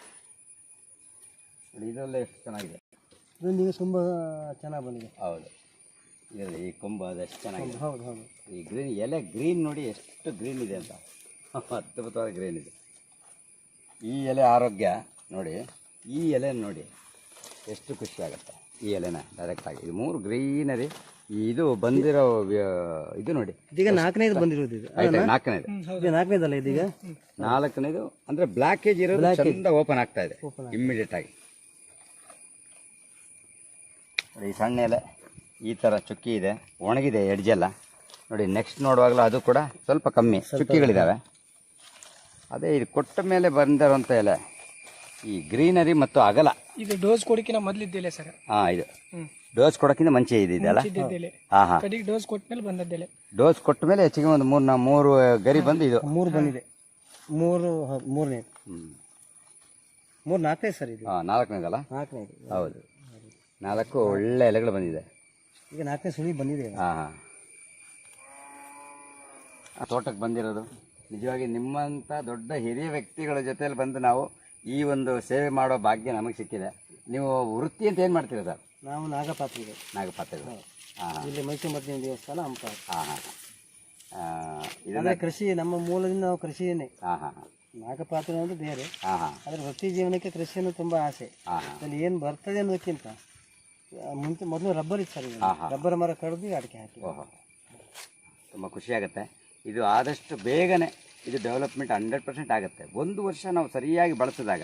ನೋಡಿ ಇದರಲ್ಲೇ ಎಷ್ಟು ಚೆನ್ನಾಗಿದೆ.
ಇದೊಂದು ಈಗ ತುಂಬ ಚೆನ್ನಾಗಿ ಬಂದಿದೆ.
ಹೌದು, ಇದರಲ್ಲಿ ಈ ಕೊಂಬು ಅದು ಎಷ್ಟು ಚೆನ್ನಾಗಿದೆ.
ಹೌದು ಹೌದು.
ಈ ಗ್ರೀನ್ ಎಲೆ ಗ್ರೀನ್ ನೋಡಿ ಎಷ್ಟು ಗ್ರೀನ್ ಇದೆ ಅಂತ, ಅದ್ಭುತವಾದ ಗ್ರೀನ್ ಇದೆ. ಈ ಎಲೆ ಆರೋಗ್ಯ ನೋಡಿ, ಈ ಎಲೆ ನೋಡಿ ಎಷ್ಟು ಖುಷಿ ಆಗುತ್ತೆ. ಈ ಎಲೆನ ಡೈರೆಕ್ಟಾಗಿ ಇದು ಮೂರು ಗ್ರೀನರಿ. ಇದು ಬಂದಿರೋ ವ್ಯ- ಇದು ನೋಡಿ
ಇದೀಗ ನಾಲ್ಕನೇದು ಬಂದಿರೋದು ಇದು.
ಆಯ್ತಾ, ನಾಲ್ಕನೇದು
ಇದು ನಾಲ್ಕನೇದಲ್ಲ ಇದೀಗ
ನಾಲ್ಕನೇದು ಅಂದ್ರೆ ಬ್ಲ್ಯಾಕೇಜ್ ಇರೋದು ಚಂದ ಓಪನ್ ಆಗ್ತಾ ಇದೆ ಇಮ್ಮಿಡಿಯೇಟ್ ಆಗಿ. ನೋಡಿ, ಈ ಸಣ್ಣ ಎಲೆ ಈ ಥರ ಚುಕ್ಕಿ ಇದೆ, ಒಣಗಿದೆ ಎಡ್ಜೆಲ್ಲ. ನೋಡಿ ನೆಕ್ಸ್ಟ್ ನೋಡುವಾಗಲೂ ಅದು ಕೂಡ ಸ್ವಲ್ಪ ಕಮ್ಮಿ ಚುಕ್ಕಿಗಳಿದ್ದಾವೆ. ಅದೇ ಇದು ಕೊಟ್ಟ ಮೇಲೆ ಬಂದಿರೋಂಥ ಎಲೆ ಈ ಗ್ರೀನರಿ ಮತ್ತು ಅಗಲ.
ಇದು ಡೋಸ್ ಕೊಡಕಿನ ಮೊದಲಿದ್ದೆಲೆ ಸರ್.
ಹಾಂ, ಇದು ಡೋಸ್ ಕೊಡೋಕ್ಕಿಂತ ಮುಂಚೆ ಇದೆಯಲ್ಲ.
ಇದ್ದಿದ್ದೆಲೆ
ಹಾಂ ಹಾಂ,
ಕಡೆಗೆ ಡೋಸ್ ಕೊಟ್ಟ ಮೇಲೆ ಬಂದದ್ದೆಲೆ.
ಡೋಸ್ ಕೊಟ್ಟ ಮೇಲೆ ಹೆಚ್ಚಿಗೆ ಒಂದು ಮೂರು ನಾ ಮೂರು ಗರಿ ಬಂದು ಇದು
ಮೂರು ಬಂದಿದೆ. ಮೂರು ಹೌದು, ಮೂರನೇದು.
ಹ್ಞೂ
ಮೂರು ನಾಲ್ಕನೇದು ಸರ್ ಇದು.
ಹಾಂ, ನಾಲ್ಕನೇದಲ್ಲ.
ನಾಲ್ಕನೇದು
ಹೌದು, ನಾಲ್ಕು ಒಳ್ಳೆ ಎಲೆಗಳು ಬಂದಿದೆ.
ಈಗ ನಾಲ್ಕನೇ ಸುಳಿ ಬಂದಿದೆ.
ಹಾಂ ಹಾಂ, ತೋಟಕ್ಕೆ ಬಂದಿರೋದು ನಿಜವಾಗಿ ನಿಮ್ಮಂಥ ದೊಡ್ಡ ಹಿರಿಯ ವ್ಯಕ್ತಿಗಳ ಜೊತೆಯಲ್ಲಿ ಬಂದು ನಾವು ಈ ಒಂದು ಸೇವೆ ಮಾಡೋ ಭಾಗ್ಯ ನಮಗೆ ಸಿಕ್ಕಿದೆ. ನೀವು ವೃತ್ತಿ ಅಂತ ಏನು ಮಾಡ್ತೀರಾ ಸರ್?
ನಾವು ನಾಗಪಾತ್ರಿಗಳು.
ನಾಗಪಾತ್ರೆಗಳು. ಹಾಂ ಹಾಂ
ಇಲ್ಲಿ ಮೈಸೂರು ಮರ್ದಿನ ದೇವಸ್ಥಾನ ಹಂಪ.
ಹಾಂ ಹಾಂ ಹಾಂ, ಇದನ್ನ
ಅಂದರೆ ಕೃಷಿ ನಮ್ಮ ಮೂಲದಿಂದ ನಾವು ಕೃಷಿಯನ್ನೇ.
ಹಾಂ ಹಾಂ ಹಾಂ
ನಾಗಪಾತ್ರ ಅನ್ನೋದು ಬೇರೆ,
ಹಾಂ ಹಾಂ
ಆದರೆ ವೃತ್ತಿ ಜೀವನಕ್ಕೆ ಕೃಷಿಯನ್ನು ತುಂಬ ಆಸೆ.
ಹಾಂ ಹಾಂ
ಅದರಲ್ಲಿ ಏನು ಬರ್ತದೆ ಅನ್ನೋದಕ್ಕಿಂತ ಆ, ಮುಂಚೆ ಮೊದಲು ರಬ್ಬರ್ ಇತ್ತು ಸರ್.
ಹಾಂ ಹಾಂ,
ರಬ್ಬರ್ ಮರ ಕಡಿದು ಅಡಿಕೆ ಹಾಕಿ.
ಓಹೋ, ತುಂಬ ಖುಷಿಯಾಗುತ್ತೆ. ಇದು ಆದಷ್ಟು ಬೇಗನೆ ಇದು ಡೆವಲಪ್ಮೆಂಟ್ ಹಂಡ್ರೆಡ್ ಪರ್ಸೆಂಟ್ ಆಗುತ್ತೆ. ಒಂದು ವರ್ಷ ನಾವು ಸರಿಯಾಗಿ ಬಳಸಿದಾಗ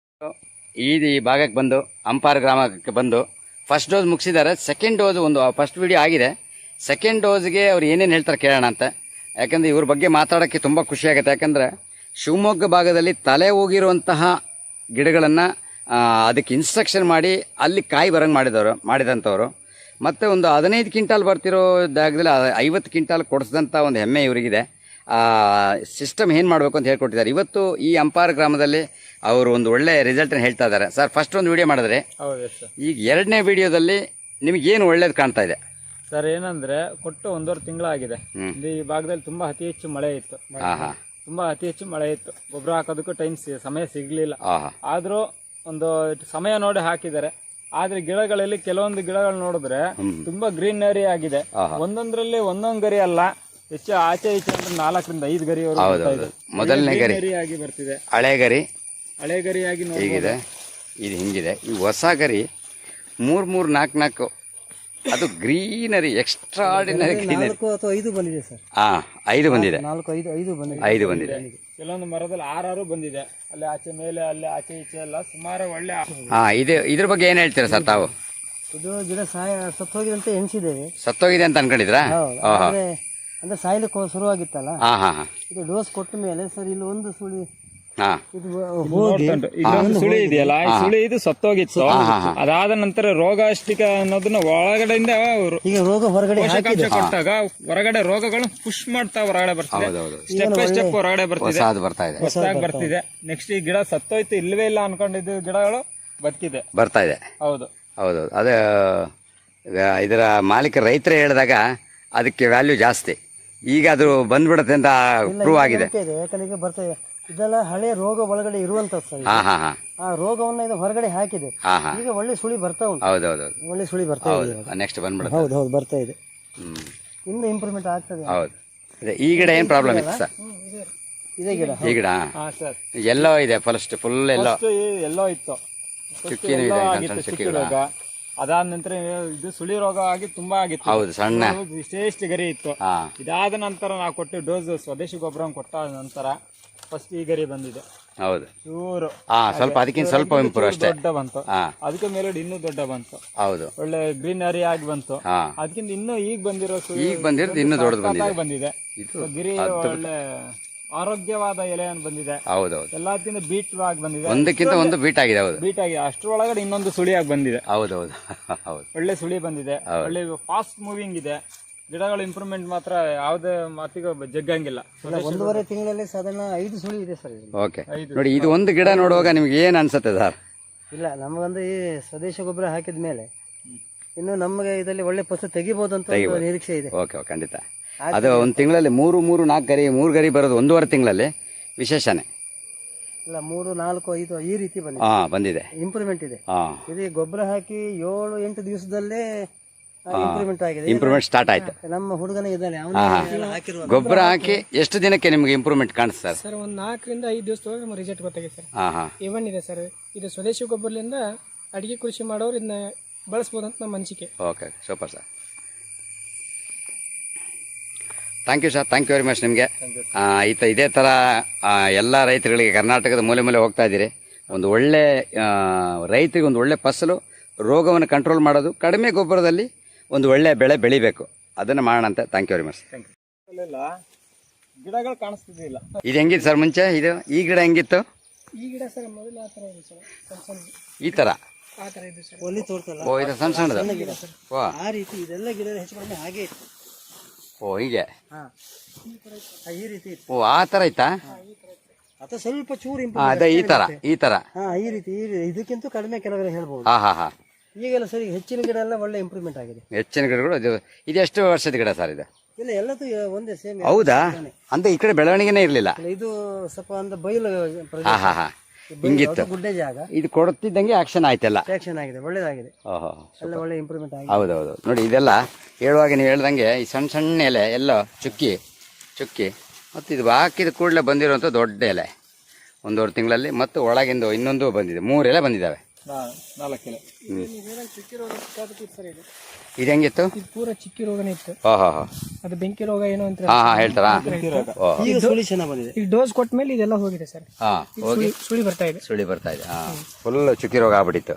ಈ ಈ ಭಾಗಕ್ಕೆ ಬಂದು ಅಂಪಾರ್ ಗ್ರಾಮಕ್ಕೆ ಬಂದು ಫಸ್ಟ್ ಡೋಸ್ ಮುಗಿಸಿದ್ದಾರೆ. ಸೆಕೆಂಡ್ ಡೋಸ್ ಒಂದು ಫಸ್ಟ್ ವಿಡಿಯೋ ಆಗಿದೆ. ಸೆಕೆಂಡ್ ಡೋಸ್ಗೆ ಅವ್ರು ಏನೇನು ಹೇಳ್ತಾರೆ ಕೇಳೋಣ ಅಂತ. ಯಾಕಂದರೆ ಇವ್ರ ಬಗ್ಗೆ ಮಾತಾಡೋಕ್ಕೆ ತುಂಬ ಖುಷಿಯಾಗುತ್ತೆ. ಯಾಕಂದರೆ ಶಿವಮೊಗ್ಗ ಭಾಗದಲ್ಲಿ ತಲೆ ಹೋಗಿರುವಂತಹ ಗಿಡಗಳನ್ನು ಅದಕ್ಕೆ ಇನ್ಸ್ಟ್ರಕ್ಷನ್ ಮಾಡಿ ಅಲ್ಲಿ ಕಾಯಿ ಬರಂಗೆ ಮಾಡಿದವರು ಮಾಡಿದಂಥವ್ರು. ಮತ್ತು ಒಂದು ಹದಿನೈದು ಕ್ವಿಂಟಾಲ್ ಬರ್ತಿರೋ ಜಾಗದಲ್ಲಿ ಐವತ್ತು ಕ್ವಿಂಟಾಲ್ ಕೊಡಿಸಿದಂಥ ಒಂದು ಹೆಮ್ಮೆ ಇವರಿಗಿದೆ. ಸಿಸ್ಟಮ್ ಏನು ಮಾಡಬೇಕು ಅಂತ ಹೇಳ್ಕೊಟ್ಟಿದ್ದಾರೆ. ಇವತ್ತು ಈ ಅಂಪಾರ ಗ್ರಾಮದಲ್ಲಿ ಅವರು ಒಂದು ಒಳ್ಳೆ ರಿಸಲ್ಟನ್ನು ಹೇಳ್ತಾ ಇದ್ದಾರೆ. ಸರ್, ಫಸ್ಟ್ ಒಂದು ವಿಡಿಯೋ ಮಾಡಿದ್ರೆ,
ಹೌದು ಸರ್.
ಈಗ ಎರಡನೇ ವಿಡಿಯೋದಲ್ಲಿ ನಿಮಗೇನು ಒಳ್ಳೇದು ಕಾಣ್ತಾ ಇದೆ
ಸರ್? ಏನಂದ್ರೆ ಕೊಟ್ಟು ಒಂದೂವರೆ ತಿಂಗಳಾಗಿದೆ.
ಹ್ಮ್.
ಇಲ್ಲಿ ಈ ಭಾಗದಲ್ಲಿ ತುಂಬಾ ಅತಿ ಹೆಚ್ಚು ಮಳೆ ಇತ್ತು.
ಹಾಂ ಹಾಂ
ತುಂಬಾ ಅತಿ ಹೆಚ್ಚು ಮಳೆ ಇತ್ತು. ಗೊಬ್ಬರ ಹಾಕೋದಕ್ಕೂ ಟೈಮ್ ಸಮಯ ಸಿಗ್ಲಿಲ್ಲ.
ಹಾಂ ಹಾಂ
ಆದ್ರೂ ಒಂದು ಸಮಯ ನೋಡಿ ಹಾಕಿದ್ದಾರೆ. ಆದ್ರೆ ಗಿಡಗಳಲ್ಲಿ ಕೆಲವೊಂದು ಗಿಡಗಳು ನೋಡಿದ್ರೆ ತುಂಬಾ ಗ್ರೀನರಿ ಆಗಿದೆ. ಒಂದೊಂದ್ರಲ್ಲಿ ಒಂದೊಂದ್ ಗರಿ ಅಲ್ಲ, ಹೆಚ್ಚು ಆಚೆ ಈಚೆ ಅಂದ್ರೆ ನಾಲ್ಕರಿಂದ ಐದು ಗರಿವರೆಗೂ ಬರ್ತಾ ಇದೆ.
ಮೊದಲನೇ ಗರಿ
ಗ್ರೀನರಿ ಆಗಿ ಬರ್ತಿದೆ.
ಹಳೆ ಗರಿ
ಹಳೆ ಗರಿಯಾಗಿ ನೋಡಿ
ಹೀಗಿದೆ, ಇದು ಹಿಂಗಿದೆ. ಈ ಹೊಸ ಗರಿ ಮೂರು ಮೂರು ನಾಲ್ಕು ನಾಲ್ಕು, ಅದು ಗ್ರೀನರಿ, ಎಕ್ಸ್ಟ್ರಾಡಿನರಿ ಗ್ರೀನರಿ.
ನಾಲ್ಕು ಅಥವಾ ಐದು ಬಂದಿದೆ ಸರ್.
ಹಾಂ, ಐದು ಬಂದಿದೆ.
ನಾಲ್ಕು ಐದು ಐದು ಬಂದಿದೆ.
ಐದು ಬಂದಿದೆ.
ಕೆಲವೊಂದು ಮರದಲ್ಲಿ ಆರಾರು ಬಂದಿದೆ. ಅಲ್ಲಿ ಆಚೆ ಮೇಲೆ, ಅಲ್ಲಿ ಆಚೆ ಈಚೆ ಎಲ್ಲ ಸುಮಾರು ಒಳ್ಳೆ.
ಹಾಂ, ಇದು ಇದ್ರ ಬಗ್ಗೆ ಏನು ಹೇಳ್ತೀರಾ ಸರ್ ತಾವು?
ಇದು ಗಿಡ ಸಾಯ ಸತ್ತೋಗಿದೆ ಅಂತ ಎಣಿಸಿದ್ದೇವೆ.
ಸತ್ತೋಗಿದೆ ಅಂತ ಅನ್ಕೊಂಡಿದ್ರಾ?
ಹೌದು. ಅಂದ್ರೆ ಅಂದ್ರೆ ಸಾಯ್ಲಿಕ್ಕೆ ಶುರುವಾಗಿತ್ತಲ್ಲ.
ಹಾಂ ಹಾಂ ಹಾಂ
ಇದು ಡೋಸ್ ಕೊಟ್ಟ ಮೇಲೆ ಸರ್ ಇಲ್ಲಿ ಒಂದು ಸುಳಿ
ಹಾಂ
ಇದು ಹೋಗಿ
ಇಲ್ಲೊಂದು ಸುಳಿ ಇದೆಯಲ್ಲ, ಈ ಸುಳಿ ಇದು ಸತ್ತೋಗಿತ್ತು. ಅದಾದ ನಂತರ ರೋಗಾಷ್ಟಿಕ ಅನ್ನೋದನ್ನ ಒಳಗಡೆಯಿಂದ
ಈಗ ರೋಗ ಹೊರಗಡೆ
ಪೋಷಕಾಂಶ ಕೊಟ್ಟಾಗ ಹೊರಗಡೆ ರೋಗಗಳು ಪುಷ್ ಮಾಡ್ತಾ ಹೊರಗಡೆ ಬರ್ತಿದೆ.
ಹೌದೌದು,
ಸ್ಟೆಪ್ ಬೈ ಸ್ಟೆಪ್ ಹೊರಗಡೆ ಬರ್ತಿದೆ,
ಹೊಸದು ಬರ್ತಾ ಇದೆ,
ಹೊಸದಾಗಿ ಬರ್ತಿದೆ. ನೆಕ್ಸ್ಟ್ ಈ ಗಿಡ ಸತ್ತೋಯ್ತು ಇಲ್ವೇ ಇಲ್ಲ ಅನ್ಕೊಂಡಿದ್ದು ಗಿಡಗಳು ಬದುಕಿದೆ.
ಬರ್ತಾ ಇದೆ.
ಹೌದು
ಹೌದೌದು, ಅದೇ ಇದರ ಮಾಲೀಕ ರೈತರೇ ಹೇಳಿದಾಗ ಅದಕ್ಕೆ ವ್ಯಾಲ್ಯೂ ಜಾಸ್ತಿ. ಈಗ ಅದು ಬಂದ್ಬಿಡುತ್ತೆ ಅಂತ ಪ್ರೂವ್ ಆಗಿದೆ.
ಯಾಕಂದ್ರೆ ಈಗ ಬರ್ತದೆ ಇದೆಲ್ಲ ಹಳೆ ರೋಗ ಒಳಗಡೆ ಇರುವಂತದ್ದು ಸರ್.
ಹಾ ಹಾ ಹಾ
ಆ ರೋಗವನ್ನ ಇದು ಹೊರಗಡೆ ಹಾಕಿದೆ.
ಹಾ ಹಾ
ಈಗ ಒಳ್ಳೆ ಸುಳಿ ಬರ್ತಾ ಉಂಟು.
ಹೌದೌದು,
ಒಳ್ಳೆ ಸುಳಿ ಬರ್ತಾ ಇದೆ.
ನೆಕ್ಸ್ಟ್ ಬಂದ್ಬಿಡುತ್ತೆ.
ಹೌದು ಹೌದು, ಬರ್ತಾ ಇದೆ.
ಹ್ಮ್,
ಇನ್ನು ಇಂಪ್ರೂವ್ಮೆಂಟ್ ಆಗ್ತದೆ.
ಹೌದು. ಅದೇ ಈ ಗಿಡ ಏನ್ ಪ್ರಾಬ್ಲಮ್ ಇತ್ತು ಸರ್?
ಇದೇ ಗಿಡ
ಈ ಗಿಡ
ಹಾ ಸರ್,
ಎಲ್ಲೋ ಇದೆ, ಫಸ್ಟ್ ಫುಲ್ ಎಲ್ಲೋ
ಎಲ್ಲೋ ಇತ್ತು,
ಚುಕ್ಕಿನೂ ಇದೆ, ಸಣ್ಣ ಸಣ್ಣ
ಚುಕ್ಕಿ
ಚುಕ್ಕಿಗಳು.
ರೋಗ. ಅದಾದ ನಂತರ ಇದು ಸುಳಿ ರೋಗ ಆಗಿ ತುಂಬಾ ಆಗಿತ್ತು.
ಹೌದು, ಸಣ್ಣ.
ವಿಶೇಷ ಗರಿ ಇತ್ತು.
ಹಾ,
ಇದಾದ ನಂತರ ನಾವು ಕೊಟ್ಟು ಡೋಸ್ ಸ್ವದೇಶಿ ಗೊಬ್ಬರ ಕೊಟ್ಟ ನಂತರ ಫಸ್ಟ್ ಈ ಗರಿ ಬಂದಿದೆ.
ಹೌದು,
ಚೂರು
ಹಾ, ಸ್ವಲ್ಪ ಅದಕ್ಕಿಂತ ಸ್ವಲ್ಪ ಇಂಪ್ರೂವ್ ಅಷ್ಟೇ.
ದೊಡ್ಡ ಬಂತು.
ಹಾ,
ಅದಕ್ಕೆ ಮೇಲೆ ಇನ್ನೂ ದೊಡ್ಡ ಬಂತು.
ಹೌದು,
ಒಳ್ಳೆ ಗ್ರೀನರಿ ಆಗಿ ಬಂತು.
ಹಾ,
ಅದಕ್ಕಿಂತ ಇನ್ನೂ ಈಗ ಬಂದಿರೋ ಸುಳಿ
ಈಗ ಬಂದಿರೋದು ಇನ್ನೂ ದೊಡ್ಡದು ಬಂದಿದೆ.
ಬಂದಿದೆ.
ಇದು
ಗಿರಿ ಒಳ್ಳೆ ಆರೋಗ್ಯವಾದ ಎಲೆಯನ್ನು ಬಂದಿದೆ.
ಹೌದೌದು,
ಎಲ್ಲದಕ್ಕಿಂತ ಬೀಟ್ ಆಗಿ ಬಂದಿದೆ.
ಒಂದಕ್ಕಿಂತ ಒಂದು ಬೀಟ್ ಆಗಿದೆ. ಹೌದು,
ಬೀಟ್ ಆಗಿ ಅಷ್ಟರೊಳಗಡೆ ಇನ್ನೊಂದು ಸುಳಿಯಾಗಿ ಬಂದಿದೆ.
ಹೌದೌದು, ಹೌದು,
ಒಳ್ಳೆ ಸುಳಿ ಬಂದಿದೆ. ಒಳ್ಳೆ ಫಾಸ್ಟ್ ಮೂವಿಂಗ್ ಇದೆ. ಗಿಡಗಳ ಇಂಪ್ರೂವ್ಮೆಂಟ್ ಮಾತ್ರ ಯಾವುದೇ ಮಾತಿಗೂ ಜಗ್ಗಂಗಿಲ್ಲ.
ಒಂದೂವರೆ ತಿಂಗಳಲ್ಲಿ ಸಾಧಾರಣ ಐದು ಸುಳಿ ಇದೆ ಸರ್.
ಓಕೆ, ನೋಡಿ ಇದು ಒಂದು ಗಿಡ ನೋಡುವಾಗ ನಿಮ್ಗೆ ಏನ್ ಅನ್ಸುತ್ತೆ ಸರ್?
ಇಲ್ಲ, ನಮಗಂದ್ರೆ ಈ ಸ್ವದೇಶ ಗೊಬ್ಬರ ಹಾಕಿದ ಮೇಲೆ ಇನ್ನು ನಮಗೆ ಇದರಲ್ಲಿ ಒಳ್ಳೆ ಫಸಲು ತೆಗಿಬಹುದು ಅಂತ ಒಂದು ನಿರೀಕ್ಷೆ ಇದೆ.
ಓಕೆ ಓಕೆ ಖಂಡಿತ. ಅದು ಒಂದು ತಿಂಗಳಲ್ಲಿ ಮೂರು ಮೂರು ನಾಲ್ಕು ಗರಿ ಮೂರು ಗರಿ ಬರೋದು ಒಂದೂವರೆ ತಿಂಗಳಲ್ಲಿ ವಿಶೇಷನೇ.
ಇಲ್ಲ ಮೂರು ನಾಲ್ಕು ಐದು ಈ ರೀತಿ ಬಂದಿದೆ.
ಹಾಂ ಬಂದಿದೆ,
ಇಂಪ್ರೂವ್ಮೆಂಟ್ ಇದೆ.
ಹಾಂ
ಇದು ಗೊಬ್ಬರ ಹಾಕಿ ಏಳು ಎಂಟು ದಿವಸದಲ್ಲೇ ಇಂಪ್ರೂವ್ಮೆಂಟ್ ಆಗಿದೆ.
ಇಂಪ್ರೂವ್ಮೆಂಟ್ ಸ್ಟಾರ್ಟ್ ಆಯ್ತು.
ನಮ್ಮ ಹುಡುಗನೇ ಇದ್ದಾನೆ, ಹಾಕಿರುವ
ಗೊಬ್ಬರ ಹಾಕಿ ಎಷ್ಟು ದಿನಕ್ಕೆ ನಿಮಗೆ ಇಂಪ್ರೂವ್ಮೆಂಟ್ ಕಾಣಿಸ್ತಾರೆ
ಸರ್? ಒಂದು ನಾಲ್ಕರಿಂದ ಐದು ದಿವಸದೊಳಗೆ ನಮ್ಗೆ ರಿಸಲ್ಟ್ ಗೊತ್ತಾಗಿದೆ ಸರ್.
ಹಾಂ ಹಾಂ
ಇವನ್ ಇದೆ ಸರ್, ಇದು ಸ್ವದೇಶಿ ಗೊಬ್ಬರದಿಂದ ಅಡಿಗೆ ಕೃಷಿ ಮಾಡೋರು ಇದನ್ನ ಬಳಸ್ಬೋದು ಅಂತ ನಮ್ಮ ಅನಿಸಿಕೆ.
Okay super sir, thank you sir, thank you very much ನಿಮಗೆ. ಈತ ಇದೇ ಥರ ಎಲ್ಲ ರೈತರುಗಳಿಗೆ ಕರ್ನಾಟಕದ ಮೂಲೆ ಮೂಲೆ ಹೋಗ್ತಾ ಇದ್ದೀರಿ. ಒಂದು ಒಳ್ಳೆ ರೈತರಿಗೆ ಒಂದು ಒಳ್ಳೆ ಫಸಲು, ರೋಗವನ್ನು ಕಂಟ್ರೋಲ್ ಮಾಡೋದು, ಕಡಿಮೆ ಗೊಬ್ಬರದಲ್ಲಿ ಒಂದು ಒಳ್ಳೆ ಬೆಳೆ ಬೆಳಿಬೇಕು, ಅದನ್ನು ಮಾಡೋಣಂತೆ. Thank you very much.
ಗಿಡಗಳು ಕಾಣಿಸ್ತಿದ್ದಿಲ್ಲ.
ಇದು ಹೆಂಗಿತ್ತು ಸರ್ ಮುಂಚೆ? ಇದು ಈ ಗಿಡ ಹೆಂಗಿತ್ತು?
ಈ ಗಿಡ ಸರ್ ಮೊದಲು ಆ ಥರ ಇದೆ ಸರ್, ಸಣ್ಣ ಸಣ್ಣ
ಈ ಥರ
ಆ ಥರ ಇದೆ ಸರ್.
ಒಲಿ ತೋರ್ತಲ್ಲ
ಓ ಇದು ಸಣ್ಣ ಸಣ್ಣದು. ಓ
ಆ ರೀತಿ ಇದೆಲ್ಲ ಗಿಡ ಹೆಚ್ಚು ಕಡಿಮೆ ಹಾಗೆ ಇತ್ತು.
ಓ ಹೀಗೆ.
ಹಾ ಈ ರೀತಿ ಇತ್ತು.
ಓ ಆ ಥರ ಐತಾ?
ಅಥವಾ ಸ್ವಲ್ಪ ಚೂರು
ಹಾಂ
ಇಂಪ್ರೂವ್.
ಅದೇ ಈ ಥರ ಈ ಥರ.
ಹಾ ಈ ರೀತಿ ಈ ರೀತಿ. ಇದಕ್ಕಿಂತ ಕಡಿಮೆ ಕೆಲವರು ಹೇಳ್ಬೋದು.
ಹಾಂ ಹಾಂ ಹಾಂ
ಈಗೆಲ್ಲ ಸರಿ ಹೆಚ್ಚಿನ ಗಿಡ ಎಲ್ಲ ಒಳ್ಳೆ ಇಂಪ್ರೂವ್ಮೆಂಟ್ ಆಗಿದೆ.
ಹೆಚ್ಚಿನ ಗಿಡಗಳು ಇದು ಇದು ಎಷ್ಟು ವರ್ಷದ ಗಿಡ ಸರ್ ಇದು?
ಇಲ್ಲ ಎಲ್ಲದೂ ಒಂದೇ ಸೇಮ್.
ಹೌದಾ? ಅಂದ್ರೆ ಈ ಕಡೆ ಬೆಳವಣಿಗೆನೇ ಇರಲಿಲ್ಲ.
ಇದು ಸ್ವಲ್ಪ ಒಂದು ಬಯಲು ಪ್ರದೇಶ,
ಹಾಂ ಹಾಂ ಹಾಂ ಹಿಂಗಿತ್ತು.
ಗುಡ್ಡೆ ಜಾಗ.
ಇದು ಕೊಡ್ತಿದ್ದಂಗೆ ಆಕ್ಷನ್ ಆಯ್ತಲ್ಲ.
ಆಕ್ಷನ್ ಆಗಿದೆ, ಒಳ್ಳೇದಾಗಿದೆ,
ಓಹೋ
ಎಲ್ಲ ಒಳ್ಳೆ ಇಂಪ್ರೂವ್ಮೆಂಟ್ ಆಗಿದೆ.
ಹೌದೌದು ನೋಡಿ, ಇದೆಲ್ಲ ಹೇಳುವಾಗ ನೀವು ಹೇಳ್ದಂಗೆ ಈ ಸಣ್ಣ ಸಣ್ಣ ಎಲೆ ಎಲ್ಲ ಚುಕ್ಕಿ ಚುಕ್ಕಿ ಮತ್ತು ಇದು ಹಾಕಿದ ಕೂಡಲೇ ಬಂದಿರುವಂಥ ದೊಡ್ಡ ಎಲೆ ಒಂದೂವರೆ ತಿಂಗಳಲ್ಲಿ, ಮತ್ತು ಒಳಗಿಂದು ಇನ್ನೊಂದು ಬಂದಿದೆ, ಮೂರು ಎಲೆ ಬಂದಿದ್ದಾವೆ.
ನಾಲ್ಕು ಎಲೆ.
ಚಿಕ್ಕಿ ರೋಗ ಸರ್ ಇದು.
ಇದು ಹೆಂಗಿತ್ತು?
ಇದು ಪೂರ ಚಿಕ್ಕಿ ರೋಗನೇ ಇತ್ತು.
ಓಹೋ ಹೋ
ಅದು ಬೆಂಕಿ ರೋಗ ಏನೋ ಅಂತ
ಹಾಂ ಹಾಂ ಹೇಳ್ತಾರಾ? ಓಹ್
ಈಗ ಸುಳಿ ಚೆನ್ನಾಗಿ ಬಂದಿದೆ.
ಈಗ ಡೋಸ್ ಕೊಟ್ಟ ಮೇಲೆ ಇದೆಲ್ಲ ಹೋಗಿದೆ ಸರ್.
ಹಾಂ ಹೋಗಿ
ಸುಳಿ ಬರ್ತಾ ಇದೆ.
ಸುಳಿ ಬರ್ತಾ ಇದೆ. ಹಾಂ ಫುಲ್ ಚುಕ್ಕಿ ರೋಗ ಆಗ್ಬಿಟ್ಟಿತ್ತು.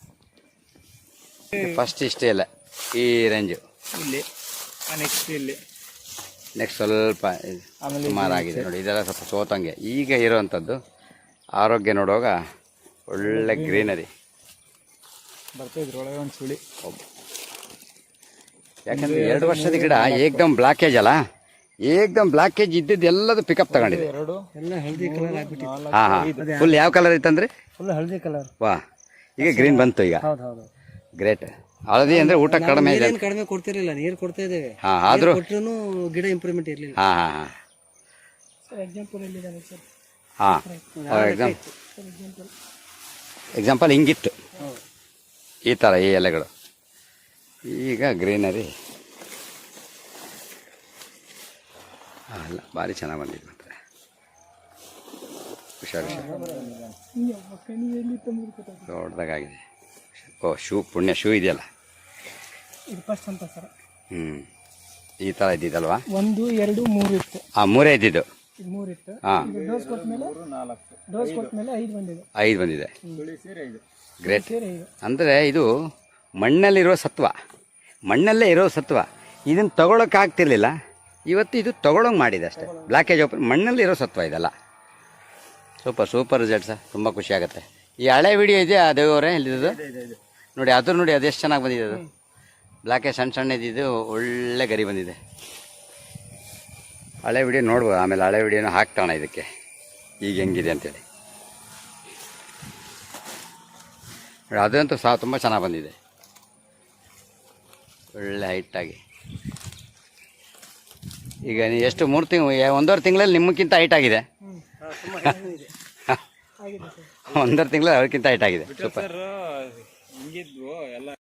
ಫಸ್ಟ್ ಇಷ್ಟೇ ಇಲ್ಲ ಈ ರೇಂಜು,
ಇಲ್ಲಿ ನೆಕ್ಸ್ಟ್ ಇಲ್ಲಿ,
ನೆಕ್ಸ್ಟ್ ಸ್ವಲ್ಪ ಸುಮಾರಾಗಿದೆ ನೋಡಿ. ಇದೆಲ್ಲ ಸ್ವಲ್ಪ ಸೋತಂಗೆ. ಈಗ ಇರೋವಂಥದ್ದು ಆರೋಗ್ಯ ನೋಡುವಾಗ ಒಳ್ಳೆ ಗ್ರೀನರಿ
ಬರ್ತಾ ಇದ್ರೊಳಗೆ ಒಂದು ಸುಳಿ.
ಯಾಕಂದ್ರೆ ಎರಡು ವರ್ಷದ ಗಿಡ ಏಕ್ದಮ್ ಬ್ಲಾಕೇಜ್ ಅಲ್ಲ, ಏಕ್ದಮ್ ಬ್ಲಾಕೇಜ್ ಇದ್ದಿದ್ದು ಎಲ್ಲದು ಪಿಕಪ್ ತಗೊಂಡಿದೆ.
ಎರಡು
ಎಲ್ಲ ಹಳದಿ ಕಲರ್ ಆಗ್ಬಿಟ್ಟಿತ್ತು.
ಹಾಂ ಹಾಂ ಫುಲ್ ಯಾವ ಕಲರ್ ಇತ್ತಂದ್ರೆ?
ಫುಲ್ ಹಳದಿ ಕಲರ್.
ವಾ ಈಗ ಗ್ರೀನ್ ಬಂತು ಈಗ.
ಹೌದು ಹೌದು.
ಗ್ರೇಟ್. ಹಳದಿ ಅಂದ್ರೆ ಊಟ ಕಡಿಮೆ ಇದೆ.
ನೀರೇನು ಕಡಿಮೆ ಕೊಡ್ತಿರ್ಲಿಲ್ಲ, ನೀರು ಕೊಡ್ತಾ ಇದ್ದೇವೆ.
ಹಾಂ ಆದರೂ
ಕೊಟ್ಟರು ಗಿಡ ಇಂಪ್ರೂವ್ಮೆಂಟ್ ಇರಲಿಲ್ಲ.
ಹಾಂ ಹಾಂ ಹಾಂ
ಸರ್ ಎಕ್ಸಾಂಪಲ್ ಎಲ್ಲಿದ್ದಾನೆ ಸರ್?
ಹಾಂ ಎಕ್ಸಾಮ್ ಎಕ್ಸಾಂಪಲ್ ಹಿಂಗಿತ್ತು ಈ ಥರ ಈ ಎಲೆಗಳು. ಈಗ ಗ್ರೀನರಿ ಅಲ್ಲ, ಭಾರಿ ಚೆನ್ನಾಗಿ ಬಂದಿದೆ. ಮಾತ್ರ ಹುಷಾರು ಹುಷಾರು ದೊಡ್ಡದಾಗಿದೆ. ಓ ಶೂ ಪುಣ್ಯ ಶೂ ಇದೆಯಲ್ಲ.
ಇದು ಫಸ್ಟ್ ಅಂತ ಸರ್.
ಹ್ಞೂ ಈ ಥರ ಇದ್ದಿದ್ದಲ್ವಾ?
ಒಂದು ಎರಡು ಮೂರು ಇತ್ತು.
ಹಾಂ ಮೂರೇ ಇದ್ದಿದ್ದು.
ಇದು ಮೂರು ಇತ್ತು.
ಹಾಂ
ಡೋಸ್ ಕೊಟ್ಟ ಮೇಲೆ
ನಾಲ್ಕು
ಡೋಸ್ ಕೊಟ್ಟ ಮೇಲೆ ಐದು ಬಂದಿದೆ.
ಐದು ಬಂದಿದೆ.
ಸುಳಿ ಸೇರಿ ಐದು.
ಗ್ರೇಟ್.
ಸೇರಿ ಐದು.
ಅಂದರೆ ಇದು ಮಣ್ಣಲ್ಲಿರೋ ಸತ್ವ, ಮಣ್ಣಲ್ಲೇ ಇರೋ ಸತ್ವ. ಇದನ್ನು ತಗೊಳಕ್ಕಾಗ್ತಿರ್ಲಿಲ್ಲ, ಇವತ್ತು ಇದು ತಗೊಳಂಗೆ ಮಾಡಿದೆ ಅಷ್ಟೇ. ಬ್ಲಾಕೇಜ್ ಓಪನ್ ಮಣ್ಣಲ್ಲಿರೋ ಸತ್ವ ಇದೆಲ್ಲ. ಸೂಪರ್ ಸೂಪರ್ ರಿಸಲ್ಟ್ ಸರ್, ತುಂಬ ಖುಷಿ ಆಗುತ್ತೆ. ಈ ಹಳೆ ವಿಡಿಯೋ ಇದೆಯಾ ದೇವರೇ ಇಲ್ಲಿದ್ದು ನೋಡಿ, ಅದು ನೋಡಿ ಅದು ಎಷ್ಟು ಚೆನ್ನಾಗಿ ಬಂದಿದೆ. ಅದು ಬ್ಲಾಕೇಜ್ ಸಣ್ಣ ಸಣ್ಣ ಇದ್ದಿದ್ದು ಒಳ್ಳೆ ಗರಿ ಬಂದಿದೆ. ಹಳೆ ವಿಡಿಯೋ ನೋಡ್ಬೋದು, ಆಮೇಲೆ ಹಳೆ ವಿಡಿಯೋನ ಹಾಕ್ತಾಣ ಇದಕ್ಕೆ ಈಗ ಹೆಂಗಿದೆ ಅಂತೇಳಿ. ನೋಡಿ ಅದಂತೂ ಸಹ ತುಂಬ ಚೆನ್ನಾಗಿ ಬಂದಿದೆ, ಒಳ್ಳೆ ಹೈಟಾಗಿ. ಈಗ ನೀವು ಎಷ್ಟು ಮೂರು ತಿಂಗಳು ಒಂದೂವರೆ ತಿಂಗಳಲ್ಲಿ ನಿಮ್ಮಕ್ಕಿಂತ ಹೈಟ್ ಆಗಿದೆ. ಒಂದೂವರೆ ತಿಂಗಳಲ್ಲಿ ಅವ್ರಿಗಿಂತ ಹೈಟ್ ಆಗಿದೆ. ಸೂಪರ್.
ಹಿಂಗಿದ್ವು ಎಲ್ಲ.